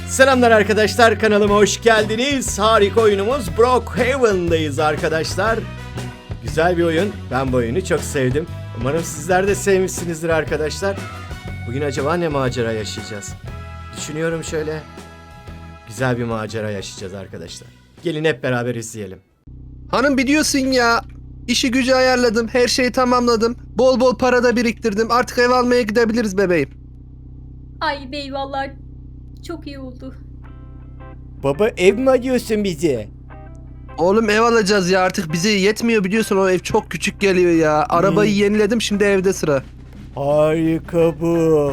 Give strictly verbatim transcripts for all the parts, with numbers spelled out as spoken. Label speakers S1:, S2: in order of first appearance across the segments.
S1: Selamlar arkadaşlar, kanalıma hoş geldiniz. Harika oyunumuz Brookhaven'dayız arkadaşlar. Güzel bir oyun. Ben bu oyunu çok sevdim. Umarım sizler de sevmişsinizdir arkadaşlar. Bugün acaba ne macera yaşayacağız? Düşünüyorum şöyle. Güzel bir macera yaşayacağız arkadaşlar. Gelin hep beraber izleyelim.
S2: Hanım biliyorsun ya, işi gücü ayarladım, her şeyi tamamladım. Bol bol para da biriktirdim. Artık ev almaya gidebiliriz bebeğim.
S3: Ay bey vallahi çok iyi oldu.
S1: Baba, ev mi alıyorsun bize?
S2: Oğlum ev alacağız ya, artık bize yetmiyor biliyorsun, o ev çok küçük geliyor ya. Arabayı
S1: Hmm.
S2: yeniledim, şimdi evde sıra.
S1: Harika bu.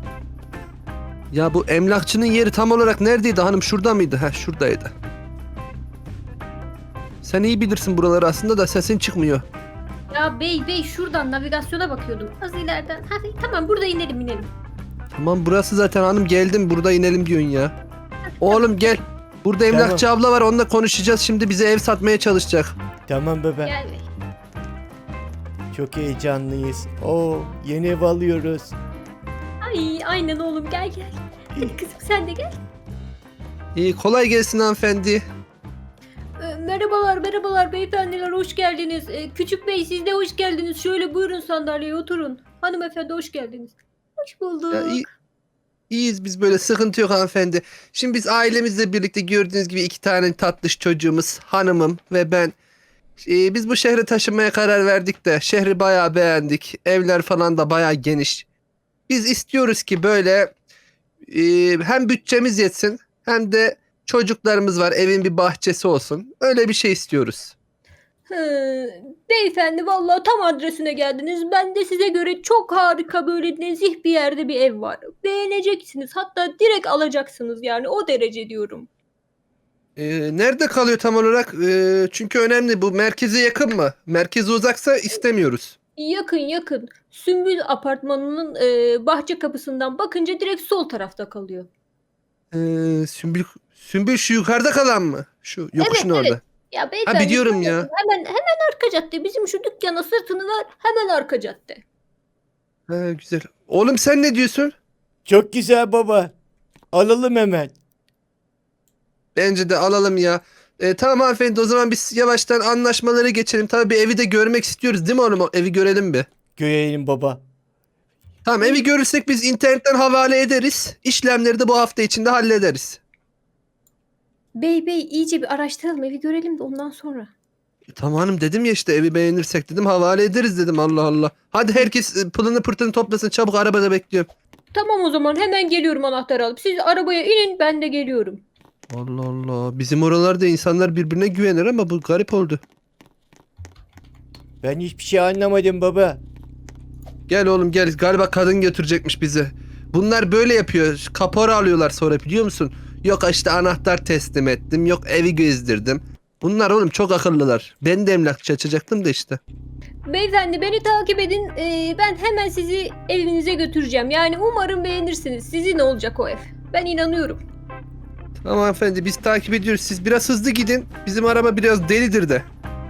S2: Ya bu emlakçının yeri tam olarak neredeydi hanım, şurada mıydı? Heh, şuradaydı. Sen iyi bilirsin buraları aslında da sesin çıkmıyor.
S3: Ya bey bey şuradan navigasyona bakıyordum. Az ileriden. Hadi tamam burada inelim inelim.
S2: Tamam burası zaten hanım, geldim, burada inelim diyorsun ya. Oğlum gel. Burada emlakçı abla var, onunla konuşacağız, şimdi bize ev satmaya çalışacak.
S1: Tamam baba.
S3: Gel bey.
S1: Çok heyecanlıyız. Oo, yeni ev alıyoruz.
S3: Ay aynen oğlum gel gel. Hadi kızım sen de gel.
S2: İyi, kolay gelsin hanımefendi.
S3: Ee, merhabalar merhabalar beyefendiler hoş geldiniz. Ee, küçük bey siz de hoş geldiniz. Şöyle buyurun sandalyeye oturun. Hanımefendi hoş geldiniz. Hoş bulduk.
S2: Ya, iyi, iyiyiz biz, böyle sıkıntı yok hanımefendi. Şimdi biz ailemizle birlikte gördüğünüz gibi iki tane tatlış çocuğumuz, hanımım ve ben. Ee, biz bu şehre taşınmaya karar verdik de şehri bayağı beğendik. Evler falan da bayağı geniş. Biz istiyoruz ki böyle e, hem bütçemiz yetsin hem de çocuklarımız var, evin bir bahçesi olsun. Öyle bir şey istiyoruz.
S3: Hı, beyefendi vallahi tam adresine geldiniz. Ben de size göre çok harika böyle nezih bir yerde bir ev var. Beğeneceksiniz. Hatta direkt alacaksınız yani o derece diyorum.
S2: Ee, nerede kalıyor tam olarak? Ee, çünkü önemli, bu merkeze yakın mı? Merkeze uzaksa istemiyoruz.
S3: Yakın yakın. Sümbül apartmanının e, bahçe kapısından bakınca direkt sol tarafta kalıyor.
S2: Ee, Sümbül, Sümbül şu yukarıda kalan mı? Şu yokuşun
S3: Evet,
S2: orada.
S3: Ya beyefendi
S2: Ha, biliyorum
S3: şöyle,
S2: ya.
S3: Hemen hemen arka cadde. Bizim şu dükkana sırtını ver. Hemen arka cadde.
S2: Ha, güzel. Oğlum sen ne diyorsun?
S1: Çok güzel baba. Alalım hemen.
S2: Bence de alalım ya. Ee, tamam hanımefendi, o zaman biz yavaştan anlaşmalara geçelim. Tabii bir evi de görmek istiyoruz değil mi oğlum? O evi görelim bir.
S1: Görelim baba.
S2: Tamam, evi görürsek biz internetten havale ederiz. İşlemleri de bu hafta içinde hallederiz.
S3: Bey bey iyice bir araştıralım evi görelim de ondan sonra.
S2: E, tamam hanım, dedim ya işte, evi beğenirsek dedim havale ederiz dedim, Allah Allah. Hadi herkes e, pılını pırtını toplasın çabuk, arabada bekliyorum.
S3: Tamam o zaman hemen geliyorum anahtarı alıp. Siz arabaya inin ben de geliyorum.
S2: Allah Allah, bizim oralarda insanlar birbirine güvenir ama bu garip oldu.
S1: Ben hiçbir şey anlamadım baba.
S2: Gel oğlum gel, galiba kadın götürecekmiş bizi. Bunlar böyle yapıyor, kapora alıyorlar sonra, biliyor musun? Yok işte anahtar teslim ettim, yok evi gezdirdim. Bunlar oğlum çok akıllılar. Ben de emlakçı açacaktım da işte.
S3: Beyefendi beni takip edin. Ee, ben hemen sizi evinize götüreceğim. Yani umarım beğenirsiniz. Sizin olacak o ev. Ben inanıyorum.
S2: Tamam hanımefendi, biz takip ediyoruz, siz biraz hızlı gidin. Bizim araba biraz delidir de.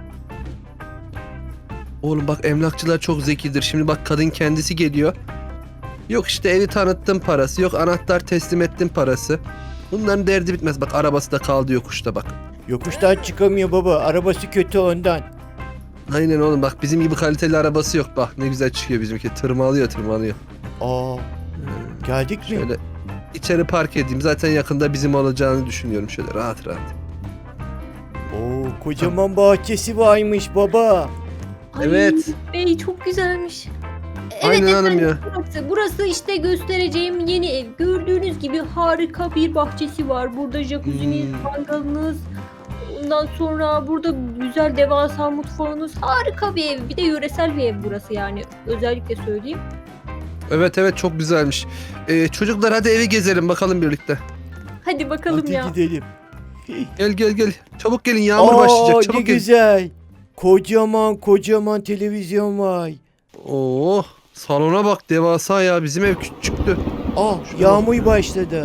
S2: Oğlum bak, emlakçılar çok zekidir. Şimdi bak, kadın kendisi geliyor. Yok işte evi tanıttım parası, yok anahtar teslim ettim parası. Bunların derdi bitmez. Bak arabası da kaldı yokuşta bak.
S1: Yokuştan çıkamıyor baba. Arabası kötü ondan.
S2: Aynen oğlum, bak bizim gibi kaliteli arabası yok. Bak ne güzel çıkıyor bizimki. Tırmalıyor tırmalıyor.
S1: Aa, geldik mi?
S2: Şöyle içeri park edeyim. Zaten yakında bizim olacağını düşünüyorum, şöyle rahat rahat.
S1: Oo, kocaman bahçesi varmış baba.
S3: Ay,
S2: Evet.
S3: Bey çok güzelmiş. Evet
S2: Aynen hanım
S3: efendim,
S2: ya.
S3: burası. Burası işte göstereceğim yeni ev. Gördüğünüz gibi harika bir bahçesi var. Burada jacuzzi'niz,
S2: Hmm.
S3: mangalınız. Ondan sonra burada güzel devasa mutfağınız. Harika bir ev. Bir de yöresel bir ev burası yani. Özellikle söyleyeyim.
S2: Evet evet, çok güzelmiş. Ee, çocuklar hadi evi gezelim bakalım birlikte.
S3: Hadi bakalım
S1: Hadi
S3: ya.
S1: gidelim.
S2: Gel gel gel. Çabuk gelin, yağmur
S1: Aa,
S2: başlayacak.
S1: ne
S2: Çabuk gelin.
S1: güzel. Kocaman kocaman televizyon var.
S2: Oo, salona bak, devasa ya. Bizim ev küçüktü.
S1: Aa,
S2: Şuna
S1: yağmur başladı.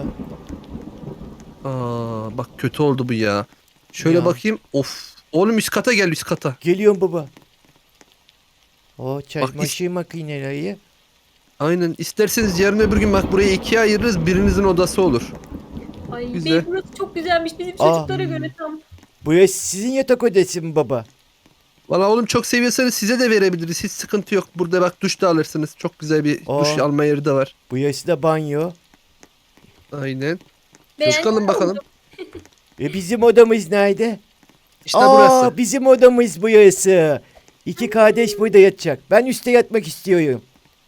S2: Aa, bak kötü oldu bu ya. Şöyle
S1: Ya.
S2: bakayım. Of. Oğlum üst kata gel, üst kata.
S1: Geliyorum baba. O
S2: is-
S1: çamaşır makineleri.
S2: Aynen. İsterseniz yarın öbür gün bak burayı ikiye ayırırız. Birinizin odası olur.
S3: Ay
S2: Güzel.
S3: bey burası çok güzelmiş. Bizim
S1: Aa.
S3: çocuklara göre tam.
S1: Burası sizin yatak odası mı baba?
S2: Valla oğlum çok seviyorsanız size de verebiliriz. Hiç sıkıntı yok. Burada bak duş da alırsınız. Çok güzel bir
S1: Aa.
S2: duş alma yeri de var.
S1: Burası da banyo.
S2: Aynen.
S3: Beğendin
S2: Çıkalım
S3: mi
S2: bakalım.
S3: oğlum?
S1: Ve bizim odamız nerede?
S2: İşte
S1: Aa,
S2: burası.
S1: bizim odamız burası. İki kardeş burada yatacak. Ben üstte yatmak istiyorum.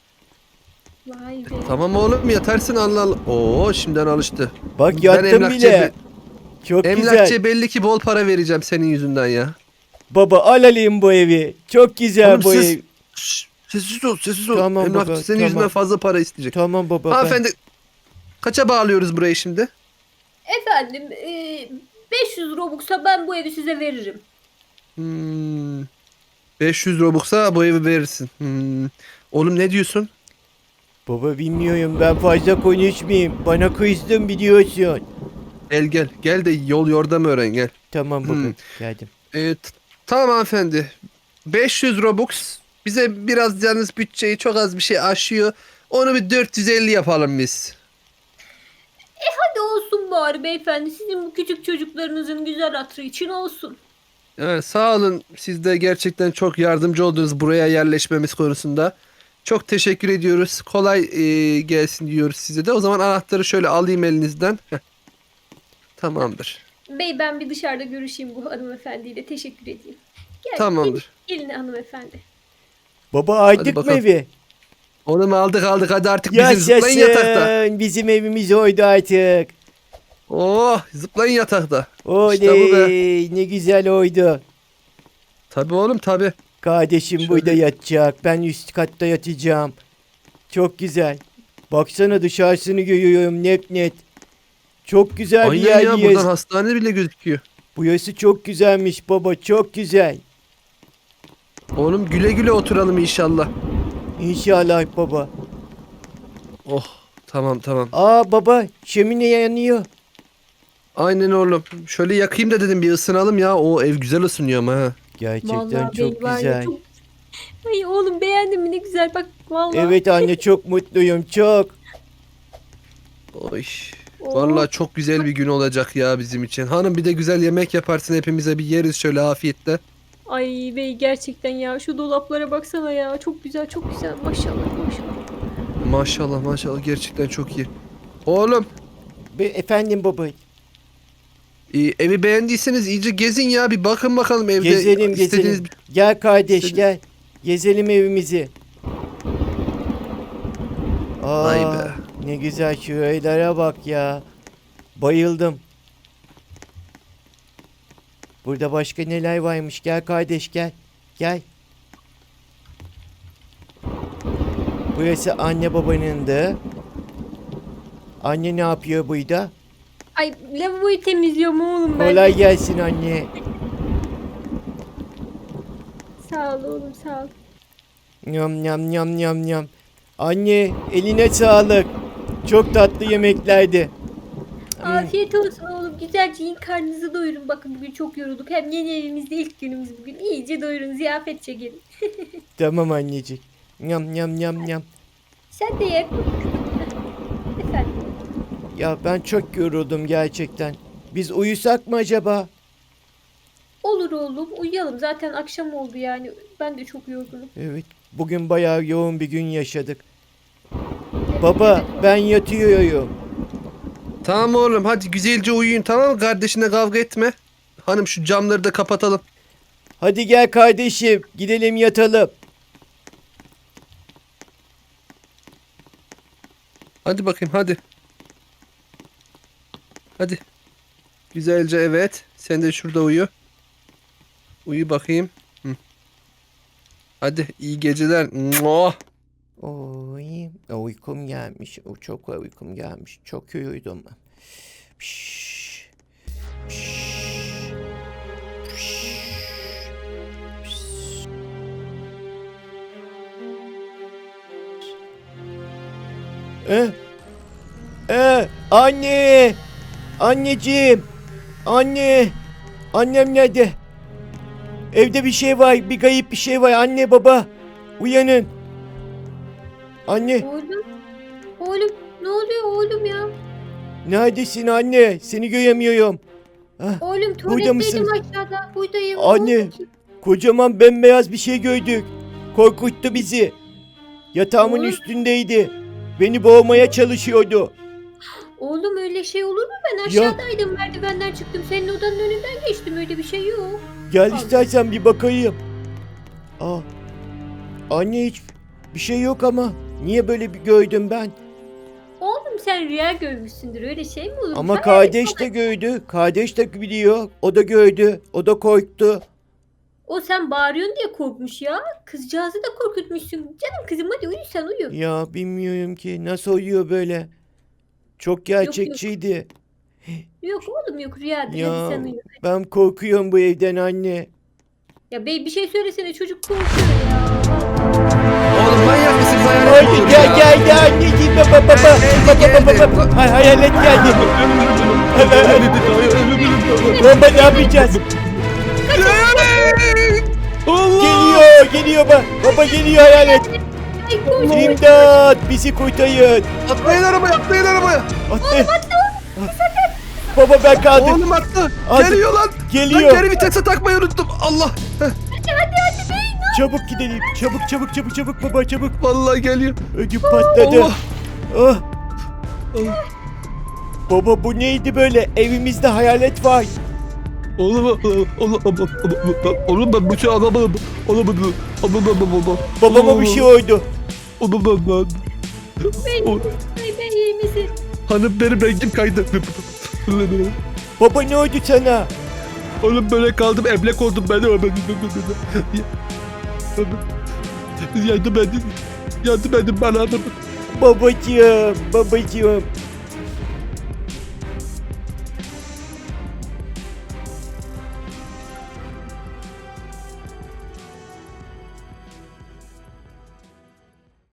S3: Vay be.
S2: Tamam oğlum yatarsın Allah Allah. Oo şimdiden alıştı.
S1: Bak
S2: Ben
S1: yattım
S2: emlakçıya
S1: bile.
S2: be-
S1: Çok
S2: Emlakçıya
S1: güzel.
S2: belli ki bol para vereceğim senin yüzünden ya.
S1: Baba al alayım bu evi. Çok güzel
S2: Oğlum
S1: bu
S2: siz-
S1: ev.
S2: Şşş, sessiz ol sessiz ol.
S1: Tamam
S2: Emlakçı
S1: baba,
S2: senin
S1: tamam.
S2: yüzünden fazla para isteyecek.
S1: Tamam baba. ben-
S2: Hanımefendi kaça bağlıyoruz burayı şimdi?
S3: Efendim e, beş yüz Robux'a ben bu evi size veririm.
S2: Hmm, beş yüz Robux'a bu evi verirsin. Hmm. Oğlum ne diyorsun?
S1: Baba bilmiyorum ben fazla konuşmayayım. Bana kızdın biliyorsun.
S2: Gel gel. Gel de yol yordam öğren gel.
S1: Tamam baba
S2: Hmm.
S1: geldim.
S2: Evet. Tamam hanımefendi. beş yüz Robux. Bize biraz yalnız bütçeyi çok az bir şey aşıyor. Onu bir dört yüz elli yapalım biz.
S3: Hadi olsun bari beyefendi. Sizin bu küçük çocuklarınızın güzel hatırı için olsun.
S2: Evet, sağ olun. Siz de gerçekten çok yardımcı oldunuz buraya yerleşmemiz konusunda. Çok teşekkür ediyoruz. Kolay e, gelsin diyoruz size de. O zaman anahtarı şöyle alayım elinizden. Heh. Tamamdır.
S3: Bey ben bir dışarıda görüşeyim bu hanımefendiyle. Teşekkür edeyim. Gel,
S2: Tamamdır.
S3: Gelin, gelin hanımefendi.
S1: Baba aydık mı
S2: bakalım.
S1: evi?
S2: Onu mu aldık aldık hadi artık bizim zıplayın yatakta.
S1: Yaşasın. Bizim evimiz oydu artık.
S2: Oh zıplayın yatakta.
S1: Oley
S2: İşte bu be.
S1: ne güzel oydu.
S2: Tabii oğlum tabii.
S1: Kardeşim
S2: Şöyle-
S1: burada yatacak. Ben üst katta yatacağım. Çok güzel. Baksana dışarısını görüyorum net net. Çok güzel bir
S2: Aynen ya
S1: yerdeyiz.
S2: buradan hastane bile gözüküyor.
S1: Burası çok güzelmiş baba çok güzel.
S2: Oğlum güle güle oturalım inşallah.
S1: İnşallah baba.
S2: Oh tamam tamam.
S1: Aa baba şömine yanıyor.
S2: Aynen oğlum. Şöyle yakayım da dedim bir ısınalım ya. O ev güzel ısınıyor ama ha.
S1: Gerçekten
S3: Vallahi
S1: çok
S3: bey var ya,
S1: güzel.
S3: çok- Ay oğlum beğendin mi ne güzel bak vallahi.
S1: Evet anne çok mutluyum çok.
S2: Oy.
S3: Oh.
S2: Vallahi çok güzel bir gün olacak ya bizim için. Hanım bir de güzel yemek yaparsın hepimize bir yeriz şöyle afiyetle.
S3: Ay bey gerçekten ya şu dolaplara baksana ya çok güzel çok güzel maşallah maşallah.
S2: Maşallah maşallah gerçekten çok iyi. Oğlum
S1: Be efendim baba.
S2: e, evi beğendiyseniz iyice gezin ya bir bakın bakalım evde.
S1: Gezelim
S2: istediğiniz
S1: gezelim. Gel kardeş
S2: İstedi-
S1: gel. Gezelim evimizi. Aa,
S2: Vay be.
S1: ne güzel şuralara bak ya. Bayıldım. Burada başka neler varmış. Gel kardeş gel. Gel. Burası anne babanın da. Anne ne yapıyor burada?
S3: Ay lavaboyu temizliyorum oğlum ben.
S1: Kolay gelsin anne.
S3: Sağ ol oğlum sağ ol.
S1: Nyam nyam nyam nyam nyam. Anne eline sağlık. Çok tatlı yemeklerdi.
S3: Afiyet olsun oğlum güzelce yiyin karnınızı doyurun bakın bugün çok yorulduk. Hem yeni evimizde ilk günümüz bugün. İyice doyurun ziyafet çekelim.
S1: Tamam annecik. Nyam nyam nyam nyam.
S3: Sen de ye. Efendim.
S1: Ya ben çok yoruldum gerçekten. Biz uyusak mı acaba?
S3: Olur oğlum uyuyalım zaten akşam oldu yani. Ben de çok yorgunum.
S1: Evet. Bugün bayağı yoğun bir gün yaşadık. Baba ben yatıyorum.
S2: Tamam oğlum hadi güzelce uyuyun tamam mı? Kardeşine kavga etme. Hanım şu camları da kapatalım.
S1: Hadi gel kardeşim gidelim yatalım.
S2: Hadi bakayım hadi. Hadi. Güzelce evet. Sen de şurada uyu. Uyu bakayım. Hı. Hadi iyi geceler. Muah.
S1: Oy, uykum gelmiş. O çok uykum gelmiş. Çok uyudum. Piş, piş, piş, piş. Eh, eh, anne, anneciğim, anne, annem nerede? Evde bir şey var, bir kayıp bir şey var. Anne, baba, uyanın. Anne.
S3: Oğlum. Oğlum ne oluyor oğlum ya?
S1: Neredesin anne? Seni göremiyorum. Hah,
S3: Oğlum
S1: mısın?
S3: tuvaletteydim aşağıda. Buradayım.
S1: Anne. Kocaman bembeyaz bir şey gördük. Korkuttu bizi. Yatağımın
S3: Oğlum.
S1: üstündeydi. Beni boğmaya çalışıyordu.
S3: Oğlum öyle şey olur mu? Ben aşağıdaydım. Merdivenden çıktım. Senin odanın önünden geçtim. Öyle bir şey yok.
S1: Gel
S3: Al.
S1: istersen bir bakayım. Aa. Anne hiç bir şey yok ama. Niye böyle bir gördüm ben?
S3: Oğlum sen rüya görmüşsündür. Öyle şey mi olur?
S1: Ama
S3: Sen
S1: kardeş de gördü. Kardeş de biliyor. O da gördü. O da korktu.
S3: O sen bağırıyorsun diye korkmuş ya. Kızcağızı da korkutmuşsun. Canım kızım hadi uyu sen uyu.
S1: Ya bilmiyorum ki nasıl oluyor böyle. Çok gerçekçiydi.
S3: Yok oğlum yok rüyadır
S1: Ya
S3: hadi sen uyu.
S1: ben korkuyorum bu evden anne.
S3: Ya bey bir şey söylesene çocuk korkuyor ya.
S2: Oğlum manyak mısınız? Hayalet mi
S1: Hadi
S2: olur
S1: gel
S2: ya?
S1: gel gel anneciğim baba baba baba baba baba. Hay hayalet geldi. Baba ne yapacağız?
S2: Allah!
S1: Geliyor geliyor baba. Baba geliyor hayalet.
S3: Ay koş.
S1: İmdat bizi kurtarın.
S2: Atlayın arabaya, atlayın arabaya.
S1: Attı. Baba ben kaldım.
S2: Oğlum attı.
S1: Hadi.
S2: Geliyor lan.
S1: Geliyor.
S2: Lan geri vitese takmayı unuttum. Allah. Heh,
S1: Çabuk gidelim. Çabuk çabuk çabuk çabuk baba çabuk.
S2: vallahi geliyor.
S1: Ödüm patladı.
S2: Allah.
S1: Ah.
S2: Allah.
S1: Baba bu neydi böyle? Evimizde hayalet var.
S2: Oğlum, oğlum, oğlum, oğlum, oğlum ben bu şey alamadım. Oğlum, oğlum, oğlum, oğlum,
S1: Babama bir şey oldu.
S2: oğlum, oğlum.
S3: Benim. Ay ben iyi misin?
S2: Hanım benim rengim kaydı.
S1: Baba ne oldu sana?
S2: Oğlum böyle kaldım, emlak oldum ben. Yardım edin. Yardım edin bana.
S1: Babacığım, babacığım.